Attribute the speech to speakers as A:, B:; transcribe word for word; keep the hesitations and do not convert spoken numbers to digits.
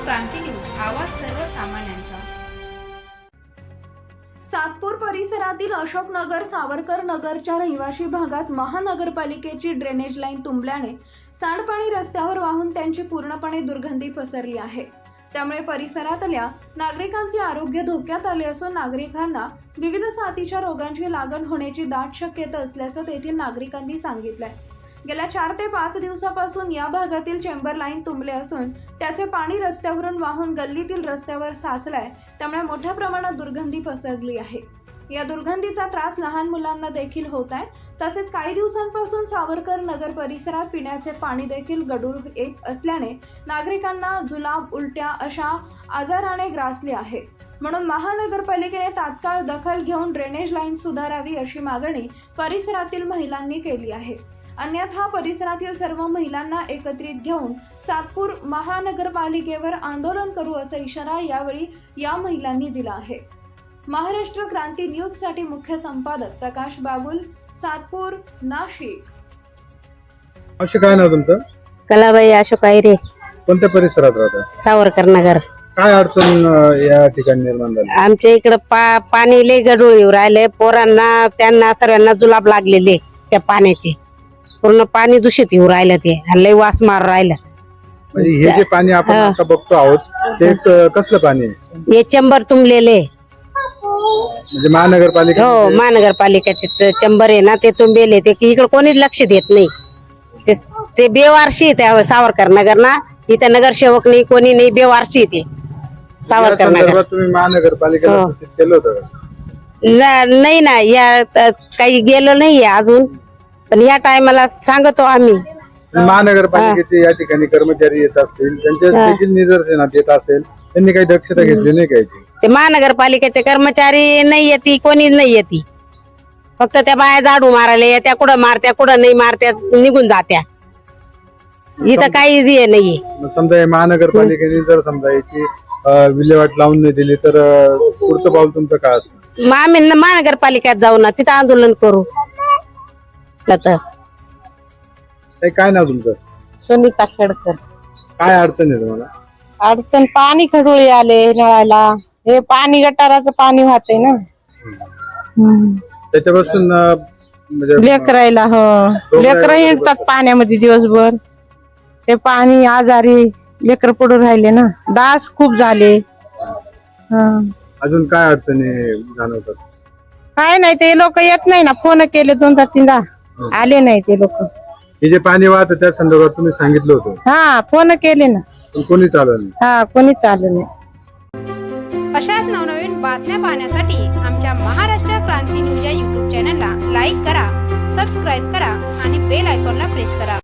A: क्रांती news, आवाज सर्वसामान्यांचा।
B: सातपूर परिसरातील अशोकनगर सावरकर नगरच्या रहिवासी भागात महानगरपालिकेची ड्रेनेज लाईन तुंबल्याने सांडपाणी रस्त्यावर वाहून त्यांची पूर्णपणे दुर्गंधी पसरली आहे। त्यामुळे परिसरातल्या नागरिकांचे आरोग्य धोक्यात आले असून नागरिकांना विविध साथीच्या रोगांची लागण होण्याची दाट शक्यता असल्याचं तेथील नागरिकांनी सांगितलंय। गेल्या चार ते पाच दिवसापासून या भागातील चेंबर लाईन तुंबले असून त्याचे पाणी रस्त्यावरून वाहून गल्लीतील रस्त्यावर साचलाय, त्यामुळे मोठ्या प्रमाणात दुर्गंधी पसरली आहे। या दुर्गंधीचा त्रास लहान मुलांना देखील होत आहे। तसेच काही दिवसांपासून सावरकर नगर परिसरात पिण्याचे पाणी देखील गढूळ येत असल्याने नागरिकांना जुलाब, उलट्या अशा आजाराने ग्रासले आहे। म्हणून महानगरपालिकेने तात्काळ दखल घेऊन ड्रेनेज लाईन सुधारावी अशी मागणी परिसरातील महिलांनी केली आहे। अन्यथा परिसरातील सर्व महिलांना एकत्रित घेऊन सातपूर महानगरपालिकेवर आंदोलन करू असा इशारा यावेळी या महिलांनी दिला आहे। महाराष्ट्र क्रांती न्यूज साठी मुख्य संपादक प्रकाश बाबुल, सातपूर, नाशिक।
C: असे काय नाव तुमचं?
D: कलाबाई अशोक आयरे,
C: कोणत्या परिसरात राहता?
D: सावरकर नगर।
C: काय अडचण अं, या ठिकाणी निर्माण झाली?
D: आमच्या इकडे पा पाणी लय गढूळ येऊ राहिले, पोरांना त्यांना सर्वांना जुलाब लागलेले त्या पाण्याचे, पूर्ण पाणी दूषित येऊ राहिलं, ते लय वास मार राहिलं।
C: म्हणजे हे जे पाणी आपण आता बघतो आहोत ते क- कसलं पाणी आहे?
D: हे चंबर तुंबलेले,
C: म्हणजे महानगरपालिका
D: हो महानगरपालिकेचे त- चंबर आहे ना, ते तुंबेले, ते इकडे कोणीच लक्ष देत नाही। ते ते बेवारशी आहे त्या सावरकर नगर ना, इथे नगरसेवक नाही, कोणी नाही, बेवारशी आहे ते सावरकर नगर।
C: तुम्ही महानगरपालिकेला
D: हो.
C: सूचित केलं होतं का?
D: न- नाही ना, या अ, काही गेलो नाहीये अजून, पण या टायमाला सांगतो आम्ही।
C: महानगरपालिकेचे या ठिकाणी कर्मचारी येत असतील, त्यांच्या देखील निदर्शनात येत असेल, त्यांनी काही दक्षता घेतली नाही काय?
D: ते महानगरपालिकेचे कर्मचारी नाही येते, कोणी नाही येते, फक्त त्या बाया झाडू मारायला येत्या, कुठं मारत्या कुठं नाही मारत्या, निघून जात्या, इथं काहीच हे नाहीये।
C: मग समजा हे महानगरपालिकेने जर समजा याची अं, विल्हेवाट लावून नाही दिली तर अं, पुढचं पाऊल तुमचं काय असतं?
D: मग आम्ही न- महानगरपालिकेत जाऊ ना, तिथं आंदोलन करू तर।
C: हे काय नाव तुमचं?
E: सुनीता खेडकर।
C: काय अडचण आहे तुम्हाला?
E: अडचण पाणी खडोळी आले नळाला, हे पाणी गटाराचं पाणी वाहतंय ना,
C: त्याच्यापासून अं, म्हणजे
E: लेकरायला हो लेकर हिंडतात पाण्यामध्ये दिवसभर, ते पाणी आजारी लेकर पडून राहिले ना, डास खूप झाले। हं.
C: अजून काय अडचणी जाणवतात?
E: काय नाही, ते लोक येत नाही ना, फोन केले दोनदा तीनदा, आले नाही ते लोक।
C: हे जे पाणी वाहतं त्या संदर्भात तुम्ही सांगितलं होतं,
E: हा फोन केले ना,
C: पण कोणीच आलं नाही।
E: हा कोणीच आलं नाही।
A: अशाच नवनवीन बातम्या पाहण्यासाठी आमच्या महाराष्ट्र क्रांती न्यूज या यूट्यूब चॅनलला लाईक करा, सबस्क्राईब करा आणि बेल आयकॉनला प्रेस करा।